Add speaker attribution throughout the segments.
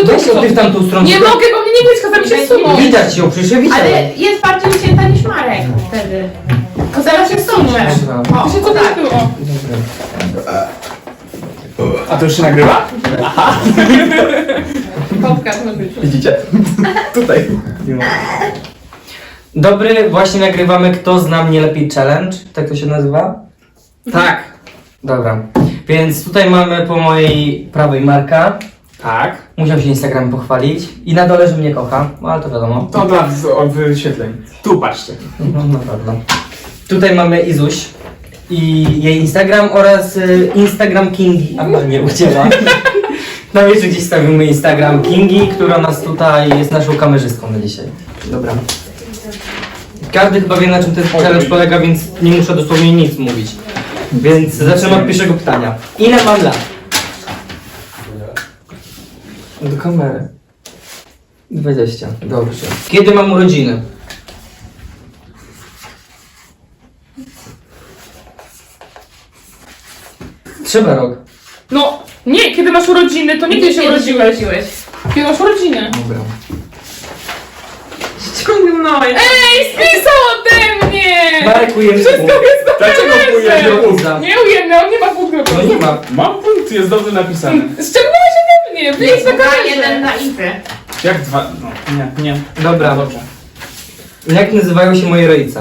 Speaker 1: to
Speaker 2: Weź ją ty w tamtą stronę.
Speaker 1: Nie mogę, bo mnie nie widać, kazami się zsunąć.
Speaker 2: Widać ją, przecież ja widziałem.
Speaker 3: Ale jest bardziej ucięta niż Marek wtedy. Kozera się wsunę.
Speaker 1: To się co tak było?
Speaker 4: A to już się nagrywa?
Speaker 1: Podcast ma być.
Speaker 4: Widzicie? Tutaj.
Speaker 2: Dobry, właśnie nagrywamy Kto zna mnie lepiej challenge. Tak to się nazywa?
Speaker 4: Tak.
Speaker 2: Dobra. Więc tutaj mamy po mojej prawej Marka.
Speaker 4: Tak.
Speaker 2: Musiał się Instagram pochwalić. I na dole, że mnie kocha. No ale to wiadomo.
Speaker 4: To dla wyświetleń. Tu patrzcie.
Speaker 2: No na pewno. Tutaj mamy Izuś i jej Instagram oraz Instagram Kingi. A nie ucięła. Na wiecie gdzieś stawimy Instagram Kingi, która nas tutaj jest naszą kamerzystką na dzisiaj. Dobra. Każdy chyba wie, na czym ten challenge polega, więc nie muszę dosłownie nic mówić. Więc zaczynamy od pierwszego pytania. Ile mam lat? Do kamery. 20. Dobrze. Kiedy mam urodziny? Trzeba rok.
Speaker 1: No, nie, kiedy masz urodziny, to nie kiedy się urodziłeś. Kiedy masz urodziny.
Speaker 2: Dobra.
Speaker 3: Ściągnąłeś.
Speaker 1: Ej, spisał ode mnie!
Speaker 2: Marek ujemny
Speaker 1: Wszystko
Speaker 2: punkt.
Speaker 1: jest na
Speaker 4: Dlaczego
Speaker 1: kamerze.
Speaker 4: ujemny?
Speaker 1: Nie ujemny, on nie ma punktu.
Speaker 2: No nie ma.
Speaker 4: Mam punkt, jest dobrze napisany.
Speaker 1: Ściągnąłeś ode mnie, wyjdź na
Speaker 3: Jeden
Speaker 1: kamerze.
Speaker 3: na Izy.
Speaker 4: Jak dwa? No, nie.
Speaker 2: Dobra.
Speaker 4: Dobrze.
Speaker 2: Jak nazywają się moje rodzice?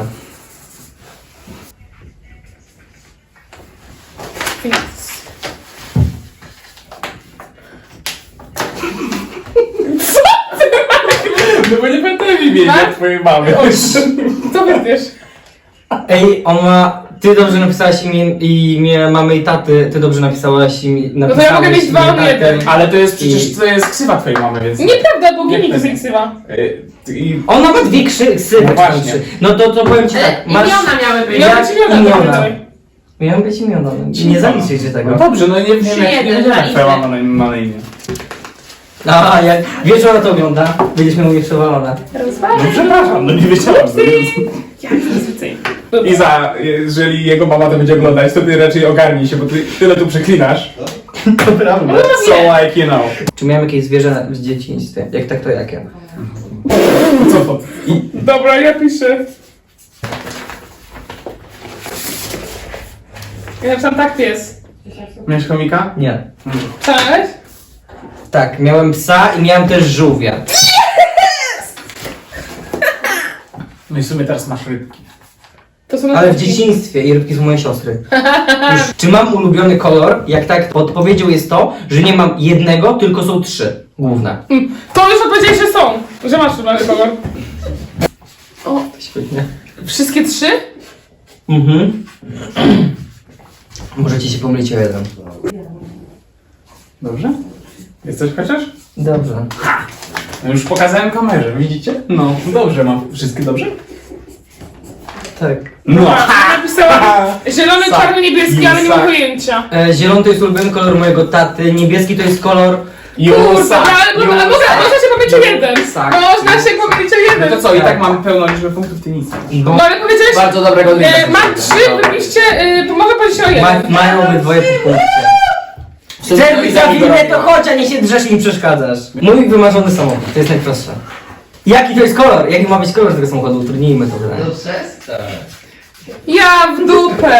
Speaker 4: No bo nie będę wiedzieć
Speaker 1: Tak?
Speaker 4: jak twojej mamy.
Speaker 1: Co będziesz?
Speaker 2: Ej, ona... Ty dobrze napisałaś imię mamy i taty, ty dobrze napisałaś imię...
Speaker 1: No to ja mogę mieć dwa, on jeden.
Speaker 4: Ale to jest przecież to jest ksywa twojej mamy, więc...
Speaker 1: Nieprawda, bo
Speaker 4: Nie
Speaker 1: Gini to
Speaker 4: wtedy.
Speaker 1: jest ksywa.
Speaker 4: I...
Speaker 2: Ona ma dwie ksywy.
Speaker 4: No właśnie.
Speaker 2: No to powiem ci tak.
Speaker 3: Ale imiona miały być.
Speaker 1: Miała być imiona.
Speaker 2: Miałem być imiona. Nie zaliczycie tego.
Speaker 4: No dobrze, no nie wiem jak nie
Speaker 3: jeden
Speaker 4: wiedziałem
Speaker 3: dla
Speaker 4: jak twoja
Speaker 3: Izy.
Speaker 4: mama ma na imię.
Speaker 2: A, jak wiesz, że ona to ogląda, będziesz miał mnie przewalone.
Speaker 4: No przepraszam, no nie wiedziałam.
Speaker 1: Jak to jest więcej?
Speaker 4: Iza, jeżeli jego mama to będzie oglądać, to ty raczej ogarnij się, bo ty tyle tu przeklinasz.
Speaker 2: To prawda.
Speaker 4: So like you know.
Speaker 2: Czy miałem jakieś zwierzę w dzieciństwie? Jak tak, to jakie?
Speaker 4: Co to?
Speaker 1: Dobra, ja piszę. Ja napisałam tak pies.
Speaker 4: Miałeś chomika?
Speaker 2: Nie.
Speaker 1: Cześć?
Speaker 2: Tak, miałem psa i miałem też żółwia.
Speaker 4: No i w sumie teraz masz rybki.
Speaker 1: To są
Speaker 2: Ale w
Speaker 1: nazwiski.
Speaker 2: dzieciństwie i rybki są moje siostry. Już, czy mam ulubiony kolor? Jak tak, odpowiedzią jest to, że nie mam jednego, tylko są trzy główne.
Speaker 1: To już odpowiedziałeś, że są. Że masz ulubiony kolor.
Speaker 2: Świetnie.
Speaker 1: Wszystkie trzy?
Speaker 2: Mhm. Możecie się pomylić o jeden.
Speaker 4: Dobrze? Jest coś chociaż?
Speaker 2: Dobrze.
Speaker 4: No już pokazałem kamerze, widzicie? No, dobrze, mam wszystkie dobrze?
Speaker 2: Tak.
Speaker 4: No!
Speaker 1: Napisałam zielony,
Speaker 4: Sak.
Speaker 1: czarny, niebieski, ale nie mam
Speaker 4: Sak.
Speaker 1: pojęcia.
Speaker 2: Zielony to jest ulubiony kolor mojego taty, niebieski to jest kolor...
Speaker 1: Kurwa, ale można się pomylić o jeden.
Speaker 2: Sak.
Speaker 1: Można się pomylić o
Speaker 4: No
Speaker 1: jeden.
Speaker 4: to co, i tak mam pełną liczbę punktów, ty nic.
Speaker 2: Bo
Speaker 1: No ale powiedziałeś,
Speaker 4: Bardzo dobrego drinka.
Speaker 1: mam trzy, wybiliście, mogę powiedzieć o jeden.
Speaker 2: mają obydwoje po punkcie. Chcesz za chwilę to chodź, a nie się drzesz i mi przeszkadzasz. Mój wymarzony samochód, to jest najprostsze. Jaki to jest kolor? Jaki ma być kolor tego samochodu? Utrudnijmy to wydaje.
Speaker 1: Ja w dupę.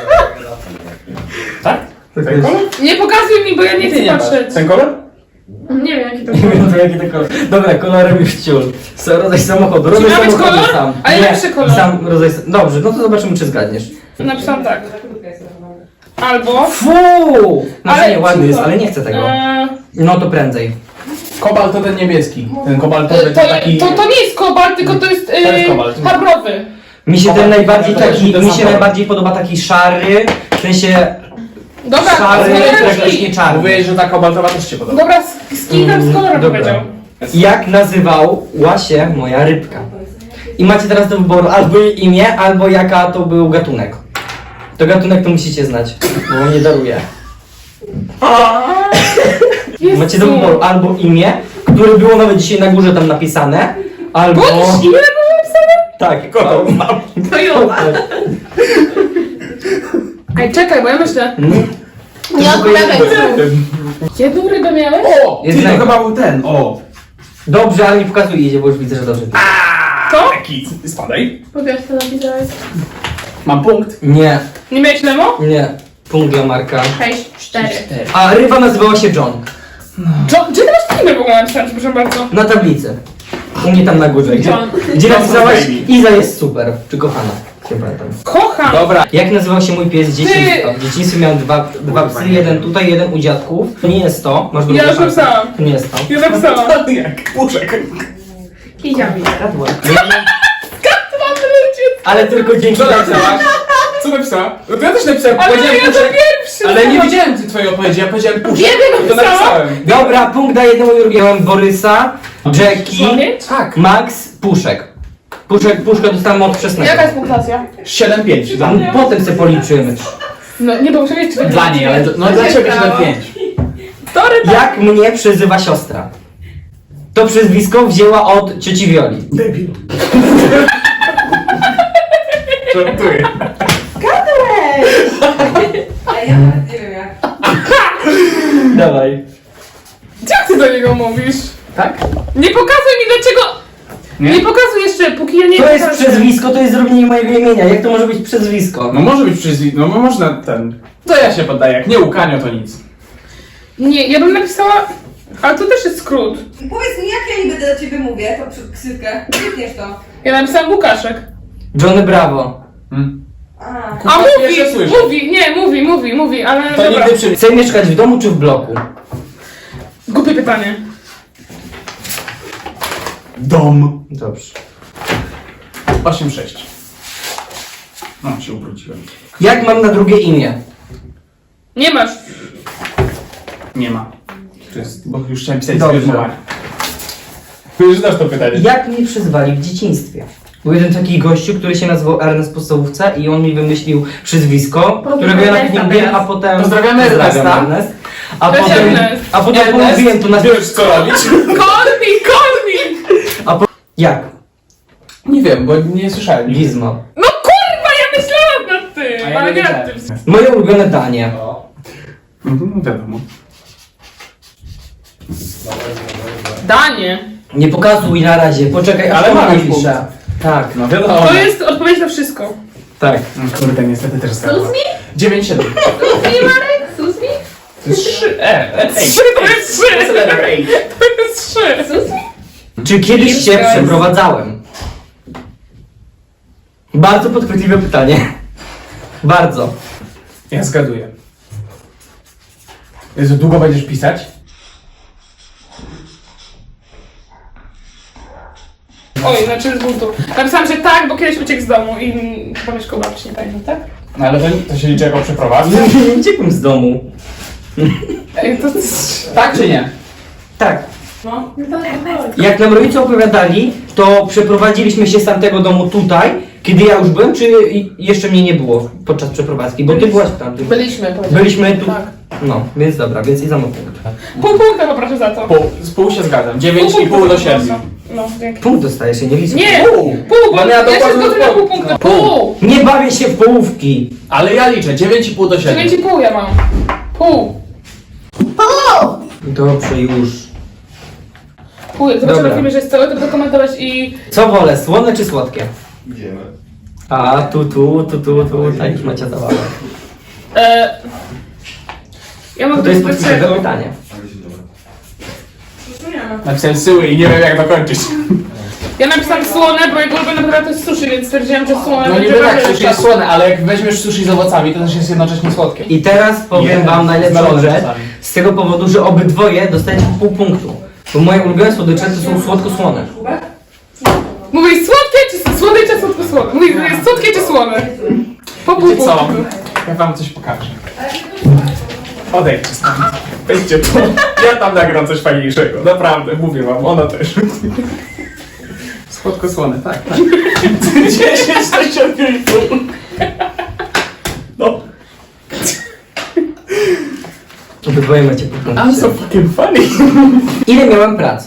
Speaker 4: Tak?
Speaker 2: To
Speaker 4: Ten
Speaker 2: jest-
Speaker 4: kolor?
Speaker 1: Nie pokazuj mi, bo ja nie
Speaker 4: Ty
Speaker 1: chcę
Speaker 4: nie masz.
Speaker 1: patrzeć.
Speaker 4: Ten kolor?
Speaker 1: Nie wiem jaki to
Speaker 2: Nie
Speaker 1: kolor.
Speaker 2: wiem, to jaki to kolor. Dobra, kolorem już ciul. Rodzaj samochodu. Rodzaj
Speaker 1: ma być
Speaker 2: samochodu
Speaker 1: kolor?
Speaker 2: sam.
Speaker 1: Ale
Speaker 2: Nie,
Speaker 1: lepszy kolor.
Speaker 2: Sam rodzaj... Dobrze, no to zobaczymy, czy zgadniesz.
Speaker 1: Napisałam tak. Albo...
Speaker 2: Fuu! Znaczy
Speaker 1: Ale
Speaker 2: nie, ładny jest,
Speaker 1: cicho.
Speaker 2: ale nie chcę tego. No to prędzej.
Speaker 4: Kobalt to ten niebieski. Ten kobaltowy to taki...
Speaker 1: To nie jest kobalt, tylko to jest
Speaker 4: jest kobalt.
Speaker 1: habrowy.
Speaker 2: Mi się ten
Speaker 4: Kobalt,
Speaker 2: najbardziej
Speaker 4: to też
Speaker 2: taki,
Speaker 4: ten
Speaker 2: mi
Speaker 4: sam
Speaker 2: się
Speaker 4: kolor.
Speaker 2: najbardziej podoba taki szary, w sensie
Speaker 1: Dobra,
Speaker 2: szary,
Speaker 1: z kolorem
Speaker 2: praktycznie
Speaker 1: szkli.
Speaker 2: czarny.
Speaker 4: Mówiłeś, że ta kobaltowa też cię podoba.
Speaker 1: Dobra, z kim z kolorem
Speaker 2: Dobra.
Speaker 1: powiedział.
Speaker 2: Jak nazywała się moja rybka? I macie teraz do wyboru albo jej imię, albo jaka to był gatunek. To gatunek to musicie znać, bo wam nie daruję. Macie do wyboru albo imię, które było nawet dzisiaj na górze tam napisane, albo...
Speaker 1: Bądź imię było napisane?
Speaker 2: Tak, kotą mam.
Speaker 3: To Jola.
Speaker 1: Ej, czekaj, bo ja myślę.
Speaker 3: Nie odpowiadaj.
Speaker 1: Jedną rybę miałeś?
Speaker 4: O!
Speaker 2: Jednego.
Speaker 4: To chyba był ten, o!
Speaker 2: Dobrze, ale nie pokazuj jedzie, bo już widzę, że dobrze.
Speaker 1: Co?
Speaker 4: Taki, spadaj.
Speaker 1: Pokaż to napisałeś.
Speaker 4: Mam punkt.
Speaker 2: Nie,
Speaker 1: Nie miałeś Nemo?
Speaker 2: nie. Punkt dla Marka.
Speaker 3: 6, 4.
Speaker 2: A ryba nazywała się John.
Speaker 1: Gdzie ty masz imię w ogóle napisane, proszę bardzo?
Speaker 2: Na tablicy. U mnie tam na górze. Gdzie,
Speaker 3: John.
Speaker 2: gdzie napisałaś
Speaker 4: Baby.
Speaker 2: Iza jest super, czy kochana. Nie pamiętam.
Speaker 1: Kocham!
Speaker 2: Dobra, jak nazywał się mój pies z dzieciństwa? W dzieciństwie miałem dwa psy, jeden tutaj, jeden u dziadków. To nie jest to, masz
Speaker 1: Ja
Speaker 2: drugą
Speaker 1: już
Speaker 2: szansę.
Speaker 1: napisałam.
Speaker 2: To nie jest to.
Speaker 1: Ja napisałam.
Speaker 4: Jak puszek.
Speaker 3: Kiziami.
Speaker 2: Radła.
Speaker 1: Mam ludzie.
Speaker 2: Ale tylko dzięki
Speaker 4: Co
Speaker 2: temu.
Speaker 4: napisałaś? Co napisała? No to ja też napisałem,
Speaker 1: Ale
Speaker 4: powiedziałem
Speaker 1: ja to
Speaker 4: puszek.
Speaker 1: pierwszy.
Speaker 4: Ale nie widziałem twojej odpowiedzi, ja powiedziałem puszek.
Speaker 1: Jeden
Speaker 4: To
Speaker 1: napisałam.
Speaker 4: napisałem.
Speaker 2: Dobra, punkt dla jednemu i drugiemu. Miałem Borysa, Jackie,
Speaker 1: Słowieć?
Speaker 4: Tak.
Speaker 2: Max, Puszek. Puszka dostałem od wczesnego.
Speaker 1: Jaka jest punktacja?
Speaker 4: 7-5 dla
Speaker 2: A
Speaker 4: mnie.
Speaker 2: potem sobie policzymy.
Speaker 1: No nie, bo muszę wiedzieć, czy to
Speaker 4: Dla niej, ale no dla ciebie 7-5.
Speaker 1: To ryba.
Speaker 2: Jak mnie przezywa siostra? To przezwisko wzięła od cioci Wioli.
Speaker 4: Debil. Żartuję.
Speaker 5: A ja nawet nie wiem jak.
Speaker 2: Dawaj.
Speaker 1: Jak ty do niego mówisz?
Speaker 4: Tak?
Speaker 1: Nie pokazuj mi dlaczego... Nie pokazuj jeszcze, póki ja nie
Speaker 2: To jest
Speaker 1: pokażę.
Speaker 2: przezwisko, to jest zrobienie mojego imienia. Jak to może być przezwisko?
Speaker 4: No może być no można ten. To ja się poddaję, jak nie Łukanio to nic.
Speaker 1: Nie, ja bym napisała... Ale to też jest skrót.
Speaker 5: Powiedz mi, jak ja niby do ciebie mówię, to przed ksywkę. Klikniesz to.
Speaker 1: Ja napisałam Łukaszek.
Speaker 2: Johnny Bravo.
Speaker 4: Hmm.
Speaker 5: A.
Speaker 1: A
Speaker 4: Pierwsze słyszę.
Speaker 1: mówi, ale
Speaker 4: To
Speaker 1: dobra.
Speaker 4: nigdy przy...
Speaker 2: Chcę mieszkać w domu czy w bloku?
Speaker 1: Głupie pytanie.
Speaker 4: Dom.
Speaker 2: Dobrze.
Speaker 4: 8-6. No, się ubrudziłem.
Speaker 2: Jak mam na drugie imię?
Speaker 1: Nie masz.
Speaker 4: Nie ma. To jest, bo już chciałem pisać
Speaker 2: Dobrze.
Speaker 4: sfirmowanie. Już znasz to pytanie.
Speaker 2: Jak mnie przyzwali w dzieciństwie? Był jeden taki gościu, który się nazywał Ernest w podstawówce i on mi wymyślił przyzwisko, którego ja nawet nie lubię, a potem...
Speaker 4: Pozdrawiamy Ernesta.
Speaker 2: Ernest. A
Speaker 1: Cześć,
Speaker 2: potem,
Speaker 1: Ernest.
Speaker 2: a potem pomówiłem to na...
Speaker 4: Wiesz co robić?
Speaker 1: Kormi!
Speaker 2: Jak?
Speaker 4: Nie wiem, bo nie słyszałem.
Speaker 2: Gizmo.
Speaker 1: No kurwa, ja myślałam nad
Speaker 4: A
Speaker 1: tym,
Speaker 4: ja
Speaker 1: ale
Speaker 4: nie
Speaker 1: nie nad
Speaker 4: wiedziałem.
Speaker 1: tym.
Speaker 2: Moje ulubione danie.
Speaker 4: Wiadomo.
Speaker 1: Danie.
Speaker 2: Nie pokazuj na razie, poczekaj,
Speaker 4: Ale
Speaker 2: aż
Speaker 4: mam
Speaker 2: mam
Speaker 4: już
Speaker 2: pisze. Tak.
Speaker 4: No wiadomo.
Speaker 1: To jest odpowiedź na wszystko.
Speaker 2: Tak.
Speaker 4: Kurde, niestety też zgadłem. 9-7.
Speaker 3: Suzy, Marek? Suzy?
Speaker 4: To jest 3.
Speaker 1: Trzy to jest trzy. To jest trzy.
Speaker 3: Suzy?
Speaker 2: Czy kiedyś się
Speaker 1: Jest.
Speaker 2: przeprowadzałem? Bardzo podchwytliwe pytanie. Bardzo.
Speaker 4: Ja zgaduję. Jezu, długo będziesz pisać?
Speaker 1: Oj, znaczy z buntu. Napisałam, że tak, bo kiedyś uciekł z domu i chyba mieszkał babci, nie pamiętam, tak?
Speaker 4: No ale to się liczy jako przeprowadzka?
Speaker 2: Nie uciekłem z domu.
Speaker 1: Ej, to...
Speaker 4: Tak czy nie?
Speaker 2: Tak.
Speaker 1: No.
Speaker 2: Jak nam rodzice opowiadali, to przeprowadziliśmy się z tamtego domu tutaj, kiedy ja już byłem, czy jeszcze mnie nie było podczas przeprowadzki? Bo ty byłaś w tamtym.
Speaker 1: Byliśmy.
Speaker 2: Byliśmy tu.
Speaker 1: Tak.
Speaker 2: No, więc dobra, więc i za mną punkt.
Speaker 1: Pół punkta poproszę za to.
Speaker 4: Z pół się zgadzam.
Speaker 1: Pół
Speaker 4: 9,5 do 7.
Speaker 1: proszę. No, dzięki.
Speaker 2: Punkt dostajesz, ja nie liczę.
Speaker 1: Nie!
Speaker 4: Pół.
Speaker 1: Pół, bo
Speaker 4: Bo ja
Speaker 1: ja się
Speaker 4: dokładnie
Speaker 1: zgodzę na
Speaker 4: pół.
Speaker 1: pół punkta. Pół!
Speaker 2: Nie bawię się w połówki.
Speaker 4: Ale ja liczę, 9,5 do 7.
Speaker 1: 9,5 ja mam. Pół.
Speaker 2: Dobrze, już.
Speaker 1: Pół. Jak zobaczę
Speaker 2: Dobra.
Speaker 1: na filmie, że jest całe, to będę komentować i...
Speaker 2: Co wolę, słone czy słodkie? A, tu, tak już macie zabawę.
Speaker 1: Ja mam
Speaker 2: To jest
Speaker 1: do
Speaker 2: podchwytliwe
Speaker 1: czego?
Speaker 2: pytanie.
Speaker 4: Napisałem syły i nie wiem jak dokończyć.
Speaker 1: Ja napisałam słone, bo jego ulubiona potrawa to jest sushi, więc stwierdziłam, że słone
Speaker 4: No
Speaker 1: będzie
Speaker 4: niby tak,
Speaker 1: bardziej
Speaker 4: sushi jest słone, ale jak weźmiesz sushi z owocami, to też jest jednocześnie słodkie.
Speaker 2: I teraz powiem
Speaker 4: Nie,
Speaker 2: wam najlepszą
Speaker 4: znalazłem
Speaker 2: rzecz,
Speaker 4: czasami.
Speaker 2: z tego powodu, że obydwoje dostajecie pół punktu. Bo moje ulubione słodycze to są słodko-słone.
Speaker 1: Mówisz słodkie czy słone, czy słodko-słone? Mówisz, jest słodkie czy słone? Po pół
Speaker 4: Wiecie co?
Speaker 1: punktu.
Speaker 4: Ja wam coś pokażę. Odejdźcie stąd. Wejdźcie tu. Ja tam nagram coś fajniejszego. Naprawdę, mówię wam, ona też. Słodko-słone, tak, tak. 10 do 7,5. No.
Speaker 2: Obydwoje macie pół
Speaker 4: I'm
Speaker 2: punktu.
Speaker 4: so fucking funny.
Speaker 2: Ile miałem prac?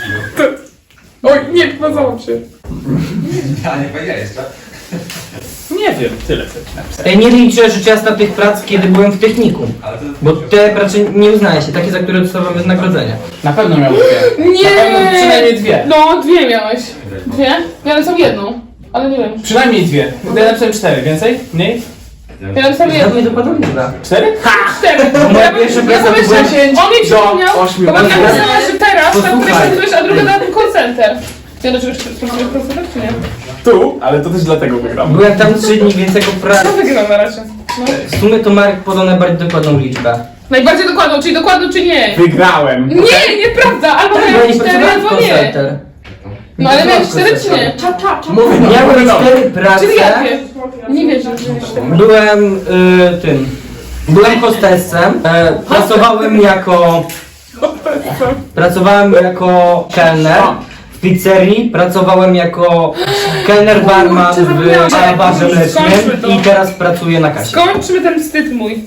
Speaker 1: Oj, nie, pozałam się.
Speaker 6: Ja nie powiedziałeś, tak?
Speaker 4: Nie wiem, tyle co ci napisałem.
Speaker 2: Ja nie liczę rzecz jasna tych prac, kiedy byłem w technikum. Bo te prace nie uznaje się, takie, za które dostawałem wynagrodzenie.
Speaker 4: Na pewno miał dwie.
Speaker 1: Nie!
Speaker 4: Na pewno przynajmniej dwie.
Speaker 1: No, dwie miałeś. Dwie? Ja napisałam jedną, ale nie wiem.
Speaker 4: Przynajmniej dwie. Ja napisałem 4, więcej? Mniej?
Speaker 1: Ja napisałam
Speaker 2: Dla
Speaker 1: jedną.
Speaker 2: mnie dokładnie liczba.
Speaker 4: 4?
Speaker 1: Cztery.
Speaker 2: Moja pierwsza praca to była
Speaker 4: 10
Speaker 1: On mi
Speaker 4: do
Speaker 1: przypomniał,
Speaker 4: 8.
Speaker 1: bo mam napisała, że teraz, ta, której
Speaker 2: Posłuchaj.
Speaker 1: pracujesz, a druga na tym call center. Ty do czegoś pracujesz call center, czy nie?
Speaker 4: Tu, ale to też dlatego wygram.
Speaker 2: Byłem tam 3 dni, więc jako
Speaker 1: Co
Speaker 2: praca.
Speaker 1: wygrał na razie? No.
Speaker 2: W sumie to Marek podał najbardziej dokładną liczbę.
Speaker 1: Najbardziej dokładną, czyli dokładną, czy nie?
Speaker 4: Wygrałem.
Speaker 1: Nie, nieprawda, albo
Speaker 2: Bo ja
Speaker 1: miałem
Speaker 2: nie
Speaker 1: cztery,
Speaker 2: pracowałem w
Speaker 1: albo nie.
Speaker 2: koncerter.
Speaker 1: No ale miałeś cztery, czy nie?
Speaker 4: Mówię, no,
Speaker 2: Miałem
Speaker 4: no.
Speaker 2: 4 prace.
Speaker 1: Czyli jakie? Nie wierzę.
Speaker 2: Byłem tym. Byłem hostessem. Pracowałem jako kelner w pizzerii, pracowałem jako kelner barman w barze mlecznym i teraz pracuję na kasie.
Speaker 1: Skończmy ten wstyd mój.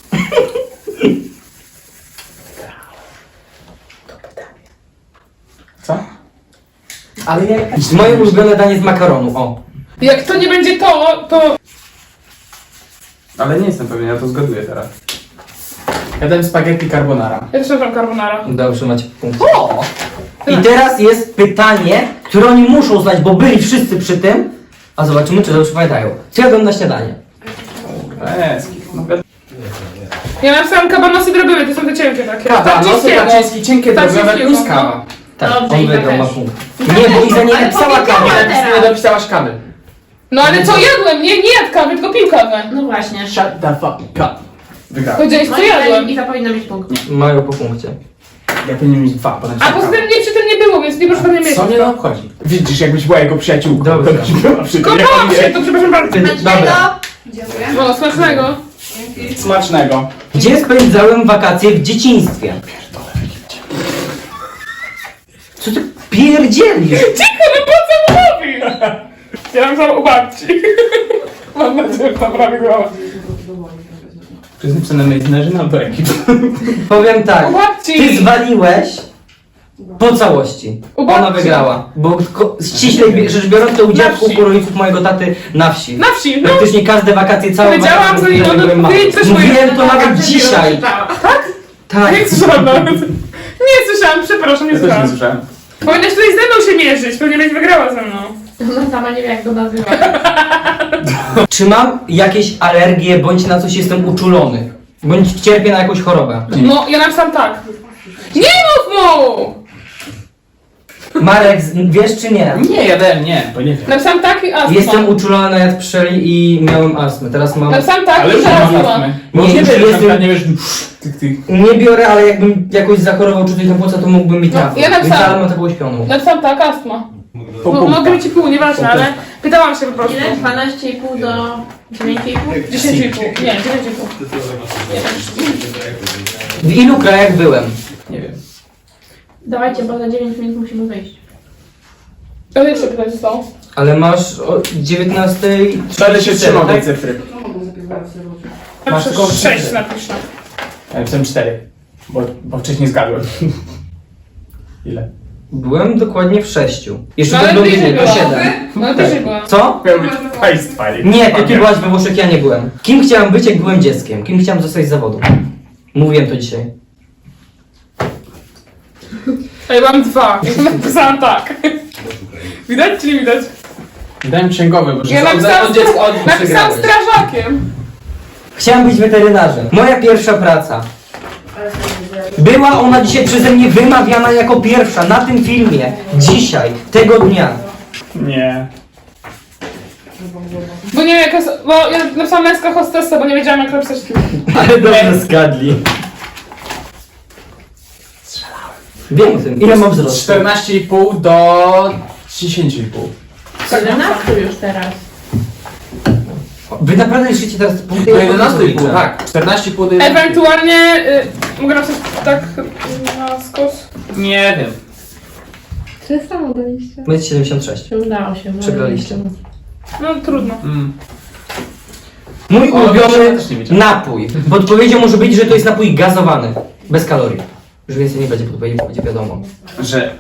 Speaker 4: Co?
Speaker 2: Ale moje ulubione danie z makaronu, o.
Speaker 1: Jak to nie będzie to...
Speaker 4: Ale nie jestem pewien, ja to zgaduję teraz. Ja dałem spaghetti carbonara.
Speaker 1: Ja też mam carbonara.
Speaker 2: Dobrze, macie punkt. I teraz jest pytanie, które oni muszą znać, bo byli wszyscy przy tym. A zobaczymy, czy dobrze pamiętają. Co jadłem na śniadanie?
Speaker 4: Eski. No,
Speaker 1: Ja napisałam kabanosy drobiły, to są te cienkie takie.
Speaker 4: nosy kaczyński, cienkie drogowe
Speaker 1: Tarczyńskiego,
Speaker 4: plus kawa.
Speaker 2: Tak,
Speaker 3: Dobrze,
Speaker 2: on
Speaker 3: Iza
Speaker 2: wygrał, ma
Speaker 3: też.
Speaker 2: punkt. Nie, bo Iza nie
Speaker 3: Ale
Speaker 2: napisała
Speaker 3: powiedziała
Speaker 2: kawy.
Speaker 3: teraz.
Speaker 4: Nie dopisałaś kawy.
Speaker 1: No ale co jadłem? Nie jadł kawy, tylko pił kawę.
Speaker 3: No właśnie.
Speaker 4: Shut the fuck up. Wygrałem.
Speaker 1: Powiedziałeś, co
Speaker 3: Moim zdaniem
Speaker 1: jadłem.
Speaker 3: Iza powinna mieć punkt.
Speaker 2: Mają po punkcie.
Speaker 4: Ja powinien mieć 2, potem
Speaker 1: A poza tym mnie przy tym nie było, więc nie proszę mnie mieć.
Speaker 4: Co mnie to obchodzi? Widzisz, jakbyś była jego przyjaciółką.
Speaker 2: Dobrze.
Speaker 4: To byś była przy tym, jak
Speaker 1: Kocham
Speaker 4: on
Speaker 1: się,
Speaker 4: wie.
Speaker 1: to przepraszam bardzo.
Speaker 2: Dobra.
Speaker 5: Dziękuję.
Speaker 1: O, smacznego.
Speaker 4: Smacznego.
Speaker 2: Gdzie spędzałem wakacje w dzieciństwie? Co ty pierdzielisz?
Speaker 1: Cicho, no po co mówi? Ja napisałam u babci. Mam nadzieję, że tam prawie głowa.
Speaker 4: To jest napisane Meissnerzy albo ekip.
Speaker 2: Powiem tak,
Speaker 1: U babci.
Speaker 2: ty zwaliłeś po całości.
Speaker 1: U babci.
Speaker 2: Ona wygrała. Bo ściślej rzecz biorąc, to u dziadków,
Speaker 1: wsi.
Speaker 2: u rodziców mojego taty na wsi.
Speaker 1: Na wsi, no.
Speaker 2: Praktycznie każde wakacje, całe
Speaker 1: Powiedziałam,
Speaker 2: wakacje,
Speaker 1: że nie
Speaker 2: które
Speaker 1: mogę
Speaker 2: byłem mały.
Speaker 1: powiedzieć, coś
Speaker 2: Mówiłem
Speaker 1: mojego
Speaker 2: to nawet
Speaker 3: Przed chwilą
Speaker 2: dzisiaj.
Speaker 3: krzyczała.
Speaker 2: Tak.
Speaker 1: Nie słyszałam nawet. Nie słyszałam, przepraszam, nie
Speaker 4: Ja też nie
Speaker 1: słyszałam.
Speaker 4: słyszałem.
Speaker 1: Powinnaś tutaj ze mną się mierzyć, pewnie będzie wygrała ze mną.
Speaker 3: Ona sama nie wie jak go nazywa.
Speaker 2: Czy mam jakieś alergie, bądź na coś jestem uczulony? Bądź cierpię na jakąś chorobę?
Speaker 1: No, ja napisałam tak. Nie mów mu!
Speaker 2: Marek, wiesz czy nie?
Speaker 4: Nie, ja dałem nie, bo nie wiem.
Speaker 1: Napisałam tak i astma.
Speaker 2: Jestem uczulony na jad pszczeli i miałem astmę. Teraz mam...
Speaker 1: Napisałam tak
Speaker 4: Ale
Speaker 1: i
Speaker 4: już nie mam
Speaker 1: astma.
Speaker 4: astmy.
Speaker 2: Nie,
Speaker 4: Bo nie
Speaker 2: już
Speaker 4: wiesz, że na
Speaker 2: jestem-
Speaker 4: przykład nie wiesz... Tych.
Speaker 2: Nie biorę, ale jakbym jakoś zachorował czy coś na płuca, to mógłbym mieć
Speaker 1: No,
Speaker 2: trafę.
Speaker 1: ja napisałam-
Speaker 2: Więc ale mam taką uśpioną.
Speaker 1: Napisałam tak, astma.
Speaker 4: Po
Speaker 1: No,
Speaker 4: punktach.
Speaker 1: mogę mieć i pół, nieważne, ale pytałam się po prostu.
Speaker 3: Ile? 12,5 do 9,5?
Speaker 1: 10,5. Nie, 9,5.
Speaker 2: W ilu krajach byłem?
Speaker 4: Nie wiem.
Speaker 3: Dawajcie, bo za 9 minut musimy wyjść.
Speaker 1: Ale jeszcze pytać zostało.
Speaker 2: Ale masz o 19...
Speaker 4: Będę się trzymał tej
Speaker 2: tak?
Speaker 4: cyfry. Masz
Speaker 1: Masz
Speaker 4: tylko
Speaker 1: 6 napiszę.
Speaker 4: Ja napisałem 4, bo wcześniej zgadłem. Ile?
Speaker 2: Byłem dokładnie w 6. Jeszcze
Speaker 1: No,
Speaker 2: to
Speaker 1: ale
Speaker 2: było
Speaker 1: bliżej
Speaker 2: to
Speaker 1: było.
Speaker 2: 7.
Speaker 1: No ale też byłam.
Speaker 2: Co?
Speaker 4: Miał być państwa.
Speaker 2: Nie, to ty byłaś we Włoszech, ja nie byłem. Kim chciałem być, jak byłem dzieckiem? Kim chciałem zostać z zawodu? Mówiłem to dzisiaj.
Speaker 1: A ja mam 2. Napisałam tak. Widać czy nie widać?
Speaker 4: Dałem księgowy, bo że
Speaker 1: Ja napisałam,
Speaker 4: od dziecka od
Speaker 1: napisałam
Speaker 2: przegrałeś.
Speaker 1: strażakiem.
Speaker 2: Chciałem być weterynarzem. Moja pierwsza praca. Była ona dzisiaj przeze mnie wymawiana jako pierwsza na tym filmie. Dzisiaj, tego dnia.
Speaker 4: Nie.
Speaker 1: Bo nie wiem jaka jest, bo ja napisałam męska hostessa, bo nie wiedziałam jak napisać kim.
Speaker 2: Ale dobrze zgadli. Wiem o tym. Ile mam wzrostu?
Speaker 4: 14,5 do 10,5.
Speaker 3: 11 już teraz.
Speaker 2: Wy naprawdę liczycie teraz punkty?
Speaker 4: Do
Speaker 2: Ja po prostu
Speaker 4: 11,5,
Speaker 2: liczę.
Speaker 4: tak. 14,5 do 11,5.
Speaker 1: Ewentualnie mogę napisać tak na skos.
Speaker 4: Nie wiem.
Speaker 3: Czy samo daliście?
Speaker 2: Będzie 76.
Speaker 3: Się udało się.
Speaker 2: Przegraliście.
Speaker 1: No trudno.
Speaker 2: Mój
Speaker 4: O,
Speaker 2: ulubiony
Speaker 4: ja też nie wiedziałem.
Speaker 2: napój. W odpowiedzią może być, że to jest napój gazowany. Bez kalorii. Już więcej nie będzie podpowiedzi, bo będzie wiadomo.
Speaker 4: Że...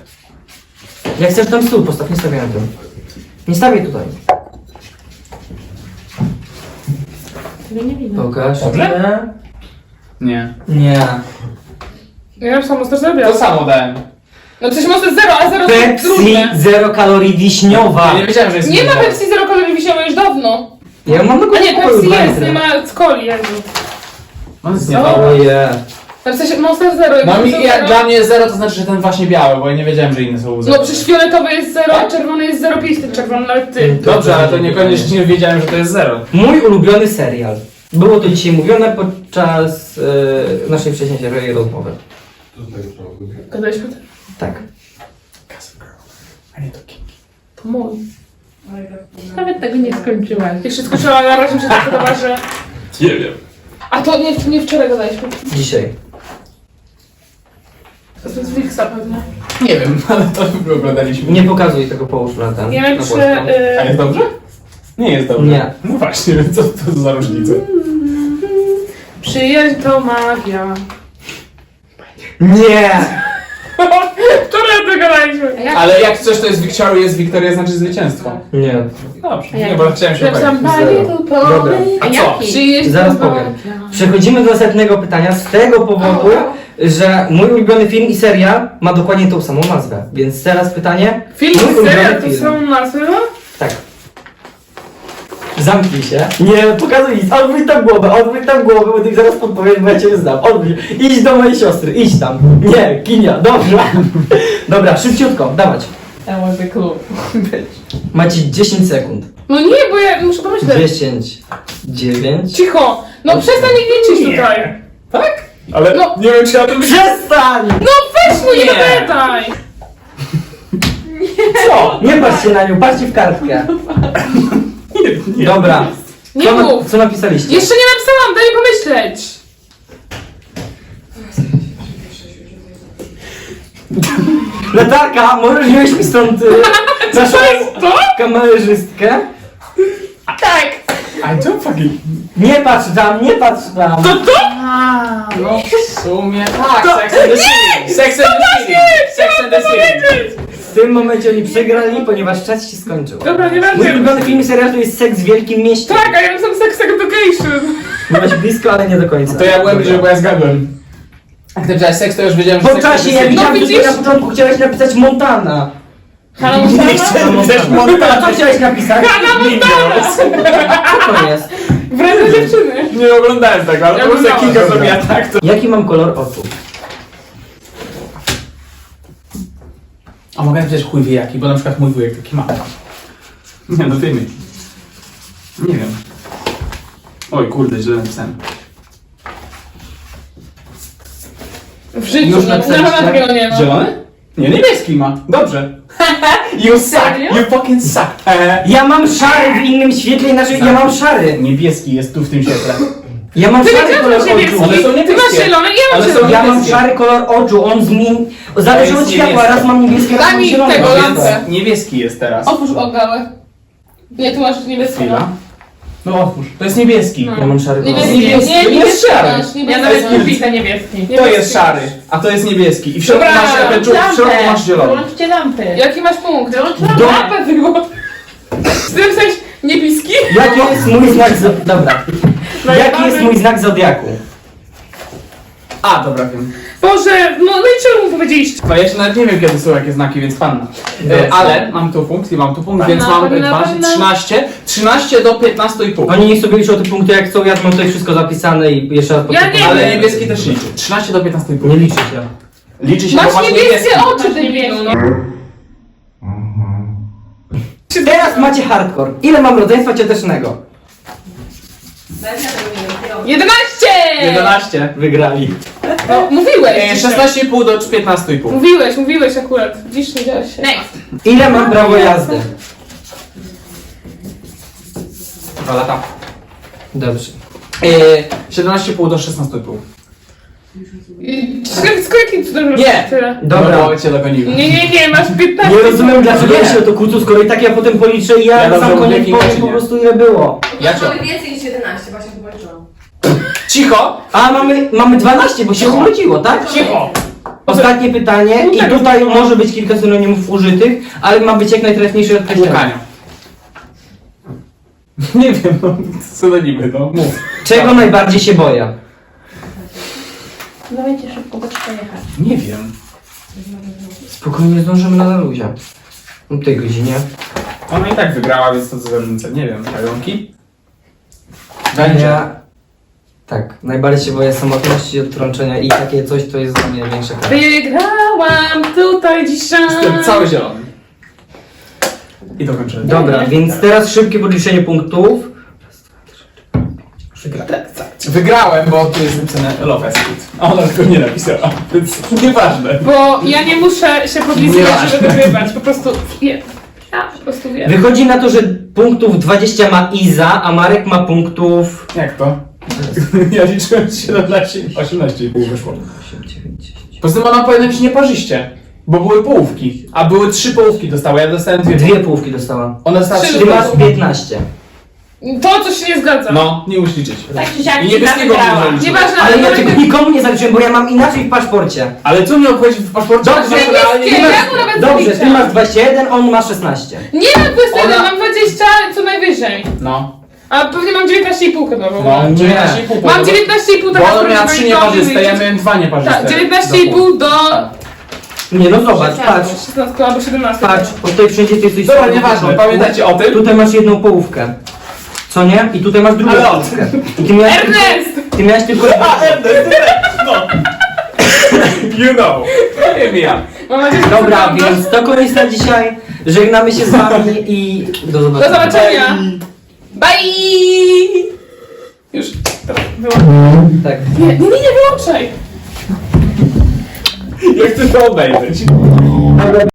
Speaker 2: Jak chcesz tam stół, postaw, nie stawiaj na tym. Nie stawiaj tutaj.
Speaker 3: Ciebie nie widzę.
Speaker 2: Pokaż.
Speaker 4: Dobrze? Nie.
Speaker 2: Nie.
Speaker 1: Ja już samo zrobiłam.
Speaker 4: To samo dałem.
Speaker 1: No przecież może 0, a 0 to
Speaker 2: Pepsi
Speaker 1: trudne.
Speaker 2: 0 kalorii wiśniowa.
Speaker 4: Ja nie wiedziałem, że jest
Speaker 1: Nie ma
Speaker 4: zero.
Speaker 1: Pepsi 0 kalorii wiśniowej już dawno.
Speaker 2: Ja mam
Speaker 1: A nie,
Speaker 2: pokoju
Speaker 1: Pepsi
Speaker 2: dwa
Speaker 1: jest,
Speaker 2: litry.
Speaker 1: nie ma coli, Jezu.
Speaker 4: No jest
Speaker 1: Co?
Speaker 4: niedobre.
Speaker 2: Oje.
Speaker 1: W sensie Monster 0 i
Speaker 4: No
Speaker 1: Monster
Speaker 4: mi, jak
Speaker 1: 0.
Speaker 4: dla mnie zero to znaczy, że ten właśnie biały, bo ja nie wiedziałem, że inne są zero.
Speaker 1: No przecież fioletowy jest 0, a czerwony jest 0,5, ten czerwony nawet ty.
Speaker 4: Dobrze, ale to niekoniecznie wiedziałem, że to jest zero.
Speaker 2: Mój ulubiony serial. Było to dzisiaj mówione podczas naszej wcześniejszej rozmowy.
Speaker 1: Gadaliśmy to?
Speaker 2: Tak.
Speaker 4: A nie to Kingi.
Speaker 1: To mój.
Speaker 3: Nawet tego nie skończyłaś.
Speaker 1: Jeszcze skończyła, na razie mi się tak podoba, że...
Speaker 4: Nie wiem.
Speaker 1: A to nie wczoraj gadaliśmy.
Speaker 2: Dzisiaj.
Speaker 1: To jest z Wixa pewnie.
Speaker 4: Nie wiem, ale to oglądaliśmy.
Speaker 2: Nie pokazuj tego, połóż na ten.
Speaker 1: Nie
Speaker 2: na
Speaker 1: wiem czy...
Speaker 2: boczką.
Speaker 4: A jest dobrze? Nie jest dobrze.
Speaker 2: Nie.
Speaker 4: No właśnie, co to za różnica?
Speaker 1: Przyjaźń to magia.
Speaker 2: Nie!
Speaker 1: Wczoraj to gadaliśmy.
Speaker 3: A jak?
Speaker 4: Ale jak coś to jest Victoria, Wiktoria znaczy zwycięstwo.
Speaker 2: Nie.
Speaker 4: Dobrze,
Speaker 3: A
Speaker 4: nie,
Speaker 3: jak?
Speaker 4: bo chciałem się
Speaker 1: Napisałam
Speaker 4: upewnić.
Speaker 2: Zero.
Speaker 1: Bible
Speaker 2: Dobra.
Speaker 4: A co?
Speaker 3: jaki?
Speaker 1: Przyjaźń
Speaker 2: Zaraz
Speaker 1: to
Speaker 2: powiem.
Speaker 1: magia.
Speaker 2: Przechodzimy do następnego pytania z tego powodu, że mój ulubiony film i serial ma dokładnie tą samą nazwę. Więc teraz pytanie.
Speaker 1: Film
Speaker 2: Mój
Speaker 1: i
Speaker 2: ulubiony
Speaker 1: serial to
Speaker 2: film.
Speaker 1: są nazwy?
Speaker 2: Tak. Zamknij się. Nie, pokazuj nic. Odwróć tam głowę, bo ty zaraz podpowiem, bo ja cię znam. Odwróć. Idź do mojej siostry, idź tam. Nie, Kinia, dobrze. Dobra, szybciutko, dawać.
Speaker 3: That was the clue.
Speaker 2: Macie 10 sekund.
Speaker 1: No nie, bo ja muszę pomyśleć.
Speaker 2: 10, 9.
Speaker 1: Cicho! No przestań ich liczyć tutaj.
Speaker 4: Tak? Ale
Speaker 1: No.
Speaker 4: nie wiem, czy ja to
Speaker 2: Przestań!
Speaker 1: No weź mu nie
Speaker 4: Nie.
Speaker 1: gadaj!
Speaker 4: Co?
Speaker 2: Nie patrzcie na nią, patrzcie w kartkę.
Speaker 4: Nie.
Speaker 2: Dobra.
Speaker 1: Nie mów.
Speaker 2: Co napisaliście?
Speaker 1: Jeszcze nie napisałam, daj mi pomyśleć.
Speaker 2: Natalka, możesz wziąć mi stąd naszą kamerzystkę?
Speaker 1: Tak.
Speaker 4: I don't fucking...
Speaker 2: Nie patrz tam, nie patrz tam.
Speaker 3: A,
Speaker 4: No w sumie tak, Sex and the City. Sex and the City. Sex and the City.
Speaker 2: W tym momencie oni przegrali, ponieważ czas się skończył.
Speaker 1: Dobra, nie
Speaker 2: Mój
Speaker 1: będzie.
Speaker 2: ulubiony film i serial to jest Seks w Wielkim Mieście.
Speaker 1: Tak, a ja napisałam Sex Education.
Speaker 2: Byłaś blisko, ale nie do końca.
Speaker 4: To ja byłem bliżej, bo ja zgadłem. Jak ty powiedziałeś seks, to już wiedziałem, że
Speaker 2: Po
Speaker 4: Sex and
Speaker 2: czasie,
Speaker 4: the
Speaker 2: ja
Speaker 4: City.
Speaker 2: widziałem,
Speaker 1: No
Speaker 2: że ty
Speaker 1: widzisz?
Speaker 2: na początku chciałeś napisać Montana.
Speaker 1: Hannah Montana?
Speaker 4: Chcesz
Speaker 2: A
Speaker 4: Montana?
Speaker 2: co chciałeś napisać? Co to jest?
Speaker 1: Wredne dziewczyny.
Speaker 4: Nie oglądałem tego, ale
Speaker 1: Ja
Speaker 4: po prostu jak
Speaker 1: oglądałem.
Speaker 4: Kinga zrobiła tak, to...
Speaker 2: Jaki mam kolor oczu?
Speaker 4: A mogę napisać chuj wie jaki, bo na przykład mój wujek taki ma. Nie, no ty mi. Nie wiem. Oj kurde, źle napisałem.
Speaker 1: W życiu,
Speaker 2: Już
Speaker 1: no,
Speaker 2: napisaliście?
Speaker 1: na takiego nie ma.
Speaker 4: Zielony? Nie, niebieski ma. Dobrze. You suck,
Speaker 1: Serio?
Speaker 4: you fucking suck.
Speaker 2: Ja mam szary w innym świetle, inaczej ja mam szary.
Speaker 4: Niebieski jest tu w tym świetle.
Speaker 2: Ja mam
Speaker 1: Ty
Speaker 2: szary
Speaker 1: nie
Speaker 2: kolor
Speaker 1: masz
Speaker 2: oczu.
Speaker 1: niebieski.
Speaker 4: One są
Speaker 1: Ty masz
Speaker 4: niebieskie.
Speaker 1: zielony, ja mam
Speaker 4: Ale są
Speaker 1: zielony.
Speaker 2: Ja mam
Speaker 4: niebieskie.
Speaker 2: szary kolor oczu, on zmieni... Zależy
Speaker 4: To
Speaker 2: od
Speaker 4: jest
Speaker 2: światła,
Speaker 4: niebieskie.
Speaker 2: raz mam niebieskie, raz
Speaker 1: Daj
Speaker 2: mam
Speaker 1: mi
Speaker 2: zielone.
Speaker 1: tego
Speaker 2: No,
Speaker 1: lampę.
Speaker 4: Niebieski jest teraz.
Speaker 1: Otwórz ogałę. Nie, tu masz niebieskiego.
Speaker 4: Chwila. No otwórz. To jest niebieski.
Speaker 2: Ja mam szary kolor.
Speaker 1: Niebieski,
Speaker 4: Niebieski,
Speaker 1: nie,
Speaker 4: to jest
Speaker 1: niebieski
Speaker 4: szary.
Speaker 1: masz,
Speaker 3: ja
Speaker 1: niebieski
Speaker 3: nawet
Speaker 1: masz.
Speaker 3: nie widzę niebieski.
Speaker 4: To jest szary, a to jest niebieski. I w środku
Speaker 1: Dobra,
Speaker 4: masz, w środku masz zielony.
Speaker 3: Wyłączcie lampy.
Speaker 1: Jaki masz punkt?
Speaker 2: Do-
Speaker 1: Lampę wyłącz. Chcesz napisać niebieski?
Speaker 2: Jaki jest mój znak Dobra. Jaki jest mój znak zodiaku?
Speaker 4: A, dobra, wiem.
Speaker 1: Boże, no i czemu mu powiedzieliście?
Speaker 4: No ja jeszcze nawet nie wiem, kiedy są jakie znaki, więc panna.
Speaker 2: Dobrze.
Speaker 4: Ale mam tu punkt i mam tu punkt, więc
Speaker 1: Panna,
Speaker 4: mam
Speaker 1: panna,
Speaker 4: 12,
Speaker 1: panna.
Speaker 4: 13 do 15,5.
Speaker 2: Oni niech sobie liczą te punkty jak chcą, ja mam tutaj wszystko zapisane i jeszcze raz
Speaker 1: Ja nie
Speaker 2: podkreślam.
Speaker 4: Ale
Speaker 1: wiem.
Speaker 4: niebieski też liczy. 13 do 15,5.
Speaker 2: Nie liczy się.
Speaker 4: Liczy się, bo
Speaker 1: Masz
Speaker 4: masz
Speaker 1: niebieskie
Speaker 4: niebieski.
Speaker 1: oczy, debilu, no.
Speaker 2: Teraz macie hardcore. Ile mam rodzeństwa ciotecznego?
Speaker 5: Nawet ja tego nie wiem.
Speaker 1: 11!
Speaker 4: 11.
Speaker 2: Wygrali.
Speaker 1: No, mówiłeś.
Speaker 4: 16,5 do 15,5.
Speaker 1: Mówiłeś akurat. Dziś nie działo się.
Speaker 3: Next.
Speaker 2: Ile mam prawo jazdy?
Speaker 4: 2 lata.
Speaker 2: Dobrze.
Speaker 4: 17,5 do 16,5.
Speaker 1: Skoro jakim cudem
Speaker 4: Nie.
Speaker 1: tyle?
Speaker 2: Dobra.
Speaker 4: No bo cię dogoniłem.
Speaker 1: Nie, masz 15.
Speaker 2: Nie rozumiem dlaczego
Speaker 4: Nie.
Speaker 2: ja się o to kłócę, skoro i tak ja potem policzę i ja
Speaker 4: Ja
Speaker 2: na
Speaker 4: dobrze
Speaker 2: sam
Speaker 4: mówię,
Speaker 2: koniec
Speaker 4: Kinga,
Speaker 2: powiem
Speaker 4: czy
Speaker 2: po
Speaker 4: nie?
Speaker 2: prostu ile było.
Speaker 4: Ja cię.
Speaker 5: Mamy więcej niż 11, właśnie to policzyłam.
Speaker 4: Cicho!
Speaker 2: A mamy 12, bo się urodziło, tak?
Speaker 4: Cicho!
Speaker 2: Ostatnie pytanie i tutaj może być kilka synonimów użytych, ale ma być jak najtrafniejsze określenie.
Speaker 4: Łukania. Nie wiem, no, synonimy, no, mów.
Speaker 2: Czego najbardziej się boję?
Speaker 3: Dawajcie szybko, bo trzeba jechać.
Speaker 4: Nie wiem.
Speaker 2: Spokojnie zdążymy na luzie. O tej godzinie.
Speaker 4: Ona i tak wygrała, więc to co za różnica. Nie wiem, pająki? Będzie.
Speaker 2: Ja... Tak, najbardziej się boję samotności, odtrączenia i takie coś, to jest dla mnie największa kara.
Speaker 1: Wygrałam tutaj dzisiaj.
Speaker 4: Jestem cały zielony. I dokończę.
Speaker 2: Dobra, więc teraz szybkie podliczenie punktów.
Speaker 4: Wygrałem, bo tu jest napisane Love Escape. A ona tylko nie napisała, więc nieważne.
Speaker 1: Bo ja nie muszę się podliczyć,
Speaker 4: Nieważne.
Speaker 1: żeby wygrywać. Po prostu wiem. Ja po prostu wiem.
Speaker 2: Wychodzi na to, że punktów 20 ma Iza, a Marek ma punktów...
Speaker 4: Jak to? Ja liczyłem 17, 18,5 wyszło.
Speaker 2: 8, 9, 10.
Speaker 4: Poza tym ona powinna być nieparzyście, bo były połówki, a były 3 połówki dostały, ja dostałem 2.
Speaker 2: Dwie połówki dostała.
Speaker 4: Ona dostała
Speaker 1: Trzy
Speaker 4: 3
Speaker 2: Ty masz
Speaker 4: połówki.
Speaker 2: 15.
Speaker 1: To coś się nie zgadza.
Speaker 4: No, nie musisz liczyć.
Speaker 3: Tak czy siak
Speaker 4: I
Speaker 3: Iza
Speaker 4: niebieskiego
Speaker 3: wygrała.
Speaker 4: nie zaliczyłem.
Speaker 1: Nieważne,
Speaker 2: Ale ja
Speaker 1: Marek-
Speaker 2: tego nikomu nie zaliczyłem, bo ja mam inaczej w paszporcie.
Speaker 4: Ale co mnie obchodzi w paszporcie?
Speaker 2: Dobrze,
Speaker 4: Masz realnie-
Speaker 1: niebieskie, ja mu nawet
Speaker 2: Dobrze, ty
Speaker 1: zaliczam.
Speaker 2: masz 21, on ma 16.
Speaker 1: Nie mam 21,
Speaker 4: Ona-
Speaker 1: mam 20 co najwyżej.
Speaker 4: No,
Speaker 1: A pewnie mam 19,5 chyba. Bo
Speaker 4: no,
Speaker 2: Nie.
Speaker 4: 19,5.
Speaker 1: Mam 19,5
Speaker 4: Bo ona miała 3 nieparzyste, ja miałem 2 nieparzyste.
Speaker 1: Tak, 19,5 do...
Speaker 2: Nie, no zobacz, patrz.
Speaker 1: 16 albo 17.
Speaker 2: Patrz, bo tutaj wszędzie ty jesteś...
Speaker 4: Dobra, nieważne, pamiętajcie o tym?
Speaker 2: Tutaj masz jedną połówkę. Co nie? I tutaj masz drugą
Speaker 4: Ale on-
Speaker 2: połówkę. I ty miałeś tylko...
Speaker 1: Ernest!
Speaker 2: Ty miałeś tylko...
Speaker 4: No. You know. Nie wiem ja.
Speaker 1: Mam nadzieję, że
Speaker 2: Dobra,
Speaker 1: to prawda.
Speaker 2: więc to koniec na dzisiaj. Żegnamy się z wami i do
Speaker 1: Do
Speaker 2: zobaczenia.
Speaker 1: zobaczenia! Bye!
Speaker 4: Już.
Speaker 2: Tak.
Speaker 1: Nie, nie wyłączaj!
Speaker 4: Ja chcę to obejrzeć.